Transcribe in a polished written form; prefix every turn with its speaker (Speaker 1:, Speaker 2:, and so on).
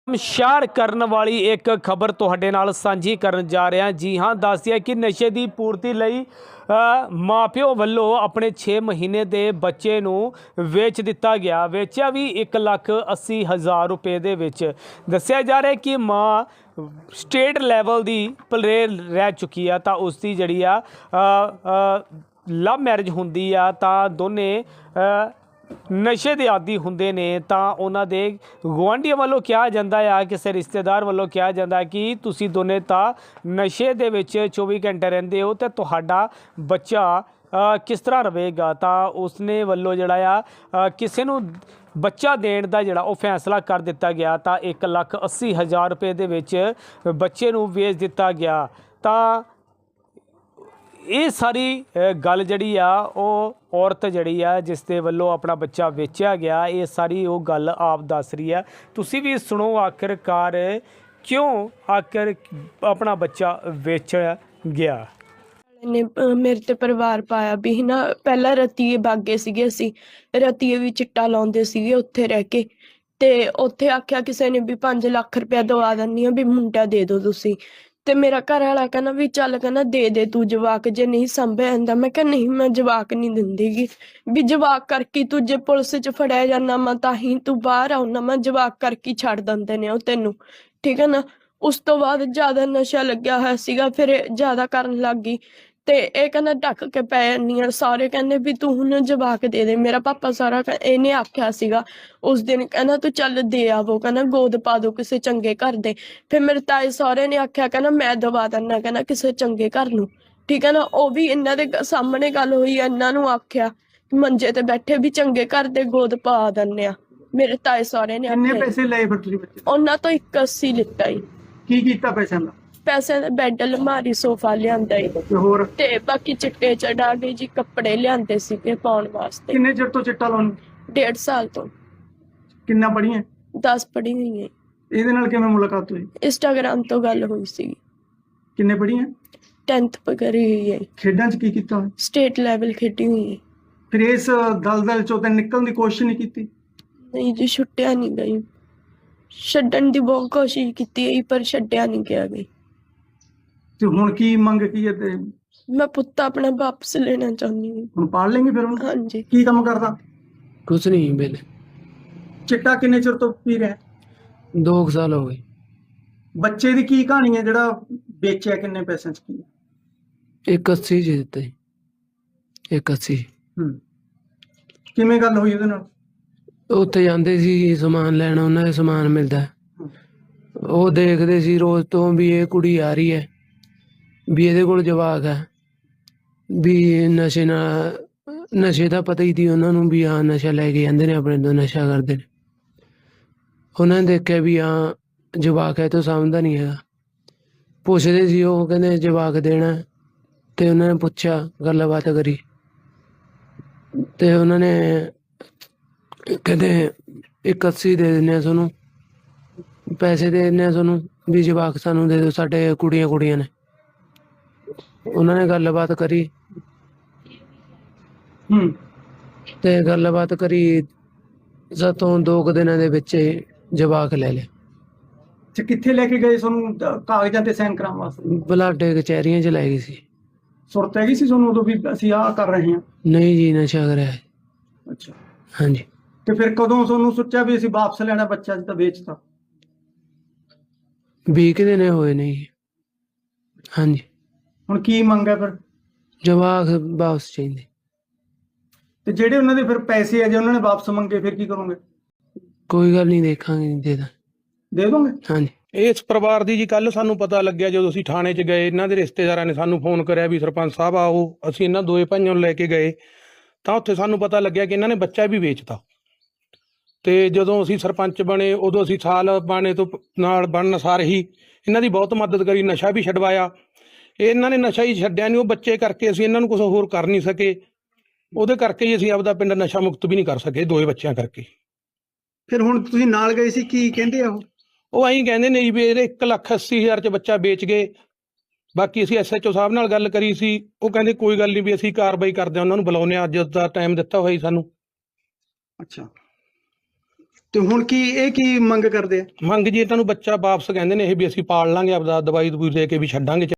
Speaker 1: ਸ਼ਾਰ ਕਰਨ ਵਾਲੀ ਇੱਕ ਖਬਰ ਤੁਹਾਡੇ ਨਾਲ ਸਾਂਝੀ ਕਰਨ ਜਾ ਰਿਹਾ। ਜੀ ਹਾਂ, ਦੱਸ ਦਿਆ ਕਿ ਨਸ਼ੇ ਦੀ ਪੂਰਤੀ ਲਈ ਮਾਪਿਓ ਵੱਲੋਂ ਆਪਣੇ 6 ਮਹੀਨੇ ਦੇ ਬੱਚੇ ਨੂੰ ਵੇਚ ਦਿੱਤਾ ਗਿਆ। ਵੇਚਿਆ ਵੀ 1,80,000 ਰੁਪਏ ਦੇ ਵਿੱਚ। ਦੱਸਿਆ ਜਾ ਰਿਹਾ ਕਿ ਮਾਂ ਸਟੇਟ ਲੈਵਲ ਦੀ ਪਲੇਅਰ ਰਹਿ ਚੁੱਕੀ ਆ, ਤਾਂ ਉਸ ਦੀ ਜਿਹੜੀ ਆ ਲਵ ਮੈਰਿਜ ਹੁੰਦੀ ਆ, ਤਾਂ ਦੋਨੇ ਨਸ਼ੇ ਦੇ ਆਦੀ ਹੁੰਦੇ ਨੇ। ਤਾਂ ਉਹਨਾਂ ਦੇ ਗੁਆਂਢੀਆਂ ਵੱਲੋਂ ਕਿਹਾ ਜਾਂਦਾ ਆ, ਕਿਸੇ ਰਿਸ਼ਤੇਦਾਰ ਵੱਲੋਂ ਕਿਹਾ ਜਾਂਦਾ ਕਿ ਤੁਸੀਂ ਦੋਨੇ ਤਾਂ ਨਸ਼ੇ ਦੇ ਵਿੱਚ 24 ਘੰਟੇ ਰਹਿੰਦੇ ਹੋ, ਤੇ ਤੁਹਾਡਾ ਬੱਚਾ ਕਿਸ ਤਰ੍ਹਾਂ ਰਹੇਗਾ। ਤਾਂ ਉਸਨੇ ਵੱਲੋਂ ਜਿਹੜਾ ਆ ਕਿਸੇ ਨੂੰ ਬੱਚਾ ਦੇਣ ਦਾ ਜਿਹੜਾ ਉਹ ਫੈਸਲਾ ਕਰ ਦਿੱਤਾ ਗਿਆ। ਤਾਂ 1,80,000 ਰੁਪਏ ਦੇ ਵਿੱਚ ਬੱਚੇ ਨੂੰ ਵੇਚ ਦਿੱਤਾ ਗਿਆ। ਤਾਂ ਇਹ ਸਾਰੀ ਗੱਲ ਜਿਹੜੀ ਆ ਉਹ ਔਰਤ ਜਿਹੜੀ ਆ ਜਿਸ ਦੇ ਵੱਲੋਂ ਆਪਣਾ ਬੱਚਾ ਵੇਚਿਆ ਗਿਆ, ਇਹ ਸਾਰੀ ਉਹ ਗੱਲ ਆਪ ਦੱਸ ਰਹੀ ਹੈ। ਤੁਸੀਂ ਵੀ ਸੁਣੋ ਆਖਿਰਕਾਰ ਕਿਉਂ ਆਖਿਰ ਆਪਣਾ ਬੱਚਾ ਵੇਚਿਆ ਗਿਆ।
Speaker 2: ਨੇ ਮੇਰੇ ਤੇ ਪਰਿਵਾਰ ਪਾਇਆ ਵੀ ਨਾ, ਪਹਿਲਾਂ ਰਤੀਏ ਬਾਗੇ ਸੀਗੇ, ਅਸੀਂ ਰਤੀਏ ਵੀ ਚਿੱਟਾ ਲਾਉਂਦੇ ਸੀਗੇ ਉੱਥੇ ਰਹਿ ਕੇ। ਤੇ ਉੱਥੇ ਆਖਿਆ ਕਿਸੇ ਨੇ ਵੀ 5 ਲੱਖ ਰੁਪਇਆ ਦਵਾ ਦਿੰਦੀ ਆ, ਵੀ ਮੁੰਡਾ ਦੇ ਦਿਓ ਤੁਸੀਂ। ਤੇ ਮੇਰਾ ਘਰ ਵਾਲਾ ਕਹਿੰਦਾ ਵੀ ਚੱਲ, ਕਹਿੰਦਾ ਦੇ ਦੇ ਤੂੰ ਜਵਾਕ, ਜੇ ਨਹੀਂ ਸੰਭਿਆ ਜਾਂਦਾ। ਮੈਂ ਕਿਹਾ ਨਹੀਂ, ਮੈਂ ਜਵਾਕ ਨਹੀਂ ਦਿੰਦੀਗੀ, ਵੀ ਜਵਾਕ ਕਰਕੇ ਤੂੰ ਜੇ ਪੁਲਿਸ 'ਚ ਫੜਿਆ ਜਾਂਦਾ ਮੈਂ ਤਾਂ ਹੀ ਤੂੰ ਬਾਹਰ ਆਉਣਾ, ਮੈਂ ਜਵਾਕ ਕਰਕੇ ਛੱਡ ਦਿੰਦੇ ਨੇ ਉਹ ਤੈਨੂੰ, ਠੀਕ ਹੈ ਨਾ। ਉਸ ਤੋਂ ਬਾਅਦ ਜ਼ਿਆਦਾ ਨਸ਼ਾ ਲੱਗਿਆ ਹੋਇਆ ਸੀਗਾ, ਫਿਰ ਇਹ ਜ਼ਿਆਦਾ ਕਰਨ ਲੱਗ ਗਈ। ਤੇ ਇਹ ਕਹਿੰਦਾ ਢੱਕ ਕੇ ਪੈ ਜਾਂਦੀ ਆ। ਸਾਰੇ ਕਹਿੰਦੇ ਵੀ ਤੂੰ ਹੁਣ ਜਵਾਕ ਦੇ ਦੇ। ਮੇਰਾ ਪਾਪਾ ਸਾਰਾ ਇਹਨੇ ਆਖਿਆ ਸੀਗਾ ਉਸ ਦਿਨ, ਕਹਿੰਦਾ ਤੂੰ ਚੱਲ ਦੇ ਆਵੋ, ਕਹਿੰਦਾ ਗੋਦ ਪਾ ਦੋ ਕਿਸੇ ਚੰਗੇ ਘਰ ਦੇ। ਫਿਰ ਮੇਰੇ ਤਾਏ ਸਹੁਰੇ ਨੇ ਆਖਿਆ, ਕਹਿੰਦਾ ਮੈਂ ਦਵਾ ਦਿੰਦਾ, ਕਹਿੰਦਾ ਕਿਸੇ ਚੰਗੇ ਘਰ ਨੂੰ, ਠੀਕ ਹੈ ਨਾ। ਉਹ ਵੀ ਇਹਨਾਂ ਦੇ ਸਾਹਮਣੇ ਗੱਲ ਹੋਈ, ਇਹਨਾਂ ਨੂੰ ਆਖਿਆ ਮੰਜੇ ਤੇ ਬੈਠੇ ਵੀ ਚੰਗੇ ਘਰ ਦੇ ਗੋਦ ਪਾ ਦਿੰਦੇ ਆ। ਮੇਰੇ ਤਾਏ ਸਹੁਰੇ ਨੇ
Speaker 3: ਕਿੰਨੇ ਪੈਸੇ ਲਏ ਫਿਰ ਤੁਸੀਂ ਬੱਚੇ?
Speaker 2: ਉਹਨਾਂ ਤੋਂ 1,80 ਲਿੱਤਾ ਹੀ।
Speaker 3: ਕੀ ਕੀਤਾ ਪੈਸਿਆਂ ਦਾ?
Speaker 2: ਪੈਸੇ ਦਾ ਬੈੱਡ, ਅਲਮਾਰੀ, ਸੋਫਾ ਲਿਆਂਦਾ ਈ।
Speaker 3: ਤੇ ਹੋਰ
Speaker 2: ਤੇ ਬਾਕੀ ਚਿੱਟੇ ਚੜਾ ਕੇ ਜੀ ਕੱਪੜੇ ਲਿਆਂਦੇ ਸੀਗੇ ਪਾਉਣ ਵਾਸਤੇ।
Speaker 3: ਕਿੰਨੇ ਚਿਰ ਤੋਂ ਚਿੱਟਾ ਲਾਉਣ?
Speaker 2: 1.5 ਸਾਲ ਤੋਂ।
Speaker 3: ਕਿੰਨਾ ਪੜ੍ਹੀਆਂ?
Speaker 2: 10 ਪੜ੍ਹੀ ਹੋਈ ਹੈ।
Speaker 3: ਇਹਦੇ ਨਾਲ ਕਿਵੇਂ ਮੁਲਾਕਾਤ ਹੋਈ?
Speaker 2: ਇੰਸਟਾਗ੍ਰਾਮ ਤੋਂ ਗੱਲ ਹੋਈ ਸੀ।
Speaker 3: ਕਿੰਨੇ ਪੜ੍ਹੀਆਂ?
Speaker 2: 10th ਕਰੀ ਹੋਈ ਹੈ।
Speaker 3: ਖੇਡਾਂ 'ਚ ਕੀ ਕੀਤਾ?
Speaker 2: ਸਟੇਟ ਲੈਵਲ ਖੇਡੀ ਹੋਈ ਹੈ।
Speaker 3: ਫਿਰ ਇਸ ਦਲਦਲ 'ਚੋਂ ਤਾਂ ਨਿਕਲਣ ਦੀ ਕੋਸ਼ਿਸ਼ ਨਹੀਂ ਕੀਤੀ?
Speaker 2: ਨਹੀਂ ਜੀ, ਛੁੱਟਿਆ ਨਹੀਂ ਗਈ। ਛੱਡਣ ਦੀ ਬਹੁਤ ਕੋਸ਼ਿਸ਼ ਕੀਤੀ ਹੈ ਪਰ ਛੱਡਿਆ ਨਹੀਂ ਗਿਆ ਗਈ।
Speaker 3: ਤੇ ਹੁਣ ਕੀ ਮੰਗ ਕੀ ਹੈ? ਤੇ
Speaker 2: ਮੈਂ ਪੁੱਤ ਆਪਣਾ ਵਾਪਸ ਲੈਣਾ ਚਾਹੁੰਦੀ ਹਾਂ।
Speaker 3: ਹੁਣ ਪਾਲ ਲੈਂਗੇ ਫਿਰ ਉਹਨੂੰ?
Speaker 2: ਹਾਂਜੀ।
Speaker 3: ਕੀ ਕੰਮ ਕਰਦਾ?
Speaker 4: कुछ नहीं बेले।
Speaker 3: ਚਿੱਟਾ ਕਿੰਨੇ ਚਿਰ ਤੋਂ ਪੀ ਰਿਹਾ?
Speaker 4: 2 साल हो गए।
Speaker 3: ਬੱਚੇ ਦੀ ਕੀ ਕਹਾਣੀ ਹੈ ਜਿਹੜਾ ਵੇਚਿਆ? ਕਿੰਨੇ ਪੈਸਿਆਂ 'ਚ ਕੀ?
Speaker 4: 1,80 जी देते। 1,80।
Speaker 3: ਕਿਵੇਂ ਗੱਲ ਹੋਈ ਉਹਦੇ ਨਾਲ?
Speaker 4: ਉੱਥੇ ਜਾਂਦੇ ਸੀ ਸਮਾਨ ਲੈਣ, ਉਹਨਾਂ ਦੇ ਸਮਾਨ ਮਿਲਦਾ, ਉਹ ਦੇਖਦੇ ਸੀ ਰੋਜ਼ ਤੋਂ ਵੀ ਇਹ ਕੁੜੀ ਆ ਰਹੀ ਹੈ, ਵੀ ਇਹਦੇ ਕੋਲ ਜਵਾਕ ਹੈ, ਵੀ ਨਸ਼ੇ ਦਾ ਪਤਾ ਹੀ ਸੀ ਉਹਨਾਂ ਨੂੰ ਵੀ ਹਾਂ ਨਸ਼ਾ ਲੈ ਕੇ ਜਾਂਦੇ ਨੇ, ਆਪਣੇ ਤੋਂ ਨਸ਼ਾ ਕਰਦੇ ਨੇ। ਉਹਨਾਂ ਨੇ ਦੇਖਿਆ ਵੀ ਹਾਂ ਜਵਾਕ ਹੈ ਤਾਂ ਸਮਝਦਾ ਨਹੀਂ ਹੈਗਾ। ਪੁੱਛਦੇ ਸੀ, ਉਹ ਕਹਿੰਦੇ ਜਵਾਕ ਦੇਣਾ। ਤੇ ਉਹਨਾਂ ਨੇ ਪੁੱਛਿਆ, ਗੱਲਬਾਤ ਕਰੀ, ਤੇ ਉਹਨਾਂ ਨੇ ਕਹਿੰਦੇ 1,80 ਦੇ ਦਿੰਦੇ ਆ ਤੁਹਾਨੂੰ, ਪੈਸੇ ਦੇ ਦਿੰਦੇ ਆ ਤੁਹਾਨੂੰ, ਵੀ ਜਵਾਕ ਸਾਨੂੰ ਦੇ ਦਿਓ, ਸਾਡੇ ਕੁੜੀਆਂ ਨੇ। ਉਹਨਾਂ ਨੇ ਗੱਲਬਾਤ ਕਰੀ ਤੇ ਗੱਲਬਾਤ ਕਰੀ ਸਾਤੋਂ 2 ਦਿਨਾਂ ਦੇ ਵਿੱਚ ਜਵਾਕ ਲੈ ਲਿਆ।
Speaker 3: ਤੇ ਕਿੱਥੇ ਲੈ ਕੇ ਗਏ ਤੁਹਾਨੂੰ ਕਾਗਜ਼ਾਂ ਤੇ ਸਾਈਨ ਕਰਾਉਣ ਵਾਸਤੇ?
Speaker 4: ਬਲਾਡੇ ਕਚਹਿਰੀਆਂ 'ਚ ਲੈ ਗਈ ਸੀ।
Speaker 3: ਸੁਰਤ ਹੈਗੀ ਸੀ ਤੁਹਾਨੂੰ ਉਦੋਂ ਵੀ ਅਸੀਂ ਆਹ ਕਰ ਰਹੇ ਹਾਂ?
Speaker 4: ਨਹੀਂ ਜੀ, ਨਸ਼ਾ ਕਰਿਆ।
Speaker 3: ਅੱਛਾ।
Speaker 4: ਹਾਂਜੀ।
Speaker 3: ਤੇ ਫਿਰ ਕਦੋਂ ਤੁਹਾਨੂੰ ਸੋਚਿਆ ਵੀ ਅਸੀਂ ਵਾਪਸ ਲੈਣਾ ਬੱਚਾ, ਜਿੱਦਾਂ ਵੇਚਤਾ?
Speaker 4: 20 ਦਿਨ ਹੋਏ ਨੇ ਜੀ। ਹਾਂਜੀ।
Speaker 3: ਹੁਣ ਕੀ ਮੰਗ ਹੈ ਫਿਰ?
Speaker 4: ਜਵਾਕ ਵਾਪਸ ਚਾਹੀਦੇ।
Speaker 3: ਤੇ ਜਿਹੜੇ ਉਹਨਾਂ ਦੇ ਫਿਰ ਪੈਸੇ ਆ, ਜੇ ਉਹਨਾਂ ਨੇ ਵਾਪਸ ਮੰਗੇ ਫਿਰ ਕੀ ਕਰੋਗੇ?
Speaker 4: ਕੋਈ ਗੱਲ ਨਹੀਂ, ਦੇਖਾਂਗੇ,
Speaker 3: ਦੇ ਦੋਗੇ?
Speaker 4: ਹਾਂਜੀ।
Speaker 5: ਇਸ ਪਰਿਵਾਰ ਦੀ ਜੀ ਕੱਲ ਸਾਨੂੰ ਪਤਾ ਲੱਗਿਆ ਜਦੋਂ ਅਸੀਂ ਥਾਣੇ 'ਚ ਗਏ। ਇਹਨਾਂ ਦੇ ਰਿਸ਼ਤੇਦਾਰਾਂ ਨੇ ਸਾਨੂੰ ਫੋਨ ਕਰਿਆ ਵੀ ਸਰਪੰਚ ਸਾਹਿਬ ਆਓ। ਅਸੀਂ ਇਹਨਾਂ ਦੋਏ ਭਾਈਆਂ ਨੂੰ ਲੈ ਕੇ ਗਏ, ਤਾਂ ਉੱਥੇ ਸਾਨੂੰ ਪਤਾ ਲੱਗਿਆ ਕਿ ਇਹਨਾਂ ਨੇ ਬੱਚਾ ਵੀ ਵੇਚਤਾ। ਤੇ ਜਦੋਂ ਅਸੀਂ ਸਰਪੰਚ ਬਣੇ, ਉਦੋਂ ਅਸੀਂ ਸਾਲ ਬਾਣੇ ਤੋਂ ਨਾਲ ਬਣਨ ਸਾਰ ਹੀ ਇਹਨਾਂ ਦੀ ਬਹੁਤ ਮਦਦ ਕਰੀ, ਨਸ਼ਾ ਵੀ ਛਡਵਾਇਆ। ਇਹਨਾਂ ਨੇ ਨਸ਼ਾ ਹੀ ਛੱਡਿਆ ਨਹੀਂ, ਉਹ ਬੱਚੇ ਕਰਕੇ ਅਸੀਂ ਇਹਨਾਂ ਨੂੰ ਕੁਝ ਹੋਰ ਕਰ ਨਹੀਂ ਸਕੇ। ਉਹਦੇ ਕਰਕੇ ਹੀ ਅਸੀਂ ਆਪਦਾ ਪਿੰਡ ਨਸ਼ਾ ਮੁਕਤ ਵੀ ਨਹੀਂ ਕਰ ਸਕੇ, 2 ਬੱਚਿਆਂ ਕਰਕੇ।
Speaker 3: ਫਿਰ ਹੁਣ ਤੁਸੀਂ ਨਾਲ ਗਏ ਸੀ, ਕੀ ਕਹਿੰਦੇ ਆ
Speaker 5: ਉਹ ਐਂ ਕਹਿੰਦੇ ਨੇ ਜੀ ਵੀ ਇਹਦੇ 1,80,000 'ਚ ਬੱਚਾ ਵੇਚ ਗਏ। ਬਾਕੀ ਅਸੀਂ SHO ਸਾਹਿਬ ਨਾਲ ਗੱਲ ਕਰੀ ਸੀ, ਉਹ ਕਹਿੰਦੇ ਕੋਈ ਗੱਲ ਨਹੀਂ, ਵੀ ਅਸੀਂ ਕਾਰਵਾਈ ਕਰਦੇ ਹਾਂ, ਉਹਨਾਂ ਨੂੰ ਬੁਲਾਉਂਦੇ ਹਾਂ, ਅੱਜ ਦਾ ਟਾਈਮ ਦਿੱਤਾ ਹੋਇਆ ਜੀ ਸਾਨੂੰ।
Speaker 3: ਅੱਛਾ। ਤੇ ਹੁਣ ਇਹ ਕੀ ਮੰਗ ਕਰਦੇ ਆ?
Speaker 5: ਮੰਗ ਜੀ ਇਹਨਾਂ ਨੂੰ ਬੱਚਾ ਵਾਪਸ ਕਹਿੰਦੇ ਨੇ ਇਹ ਵੀ ਅਸੀਂ ਪਾਲ ਲਾਂਗੇ, ਆਪਦਾ ਦਵਾਈ ਦਵੂਈ ਦੇ ਕੇ ਵੀ ਛੱਡਾਂਗੇ।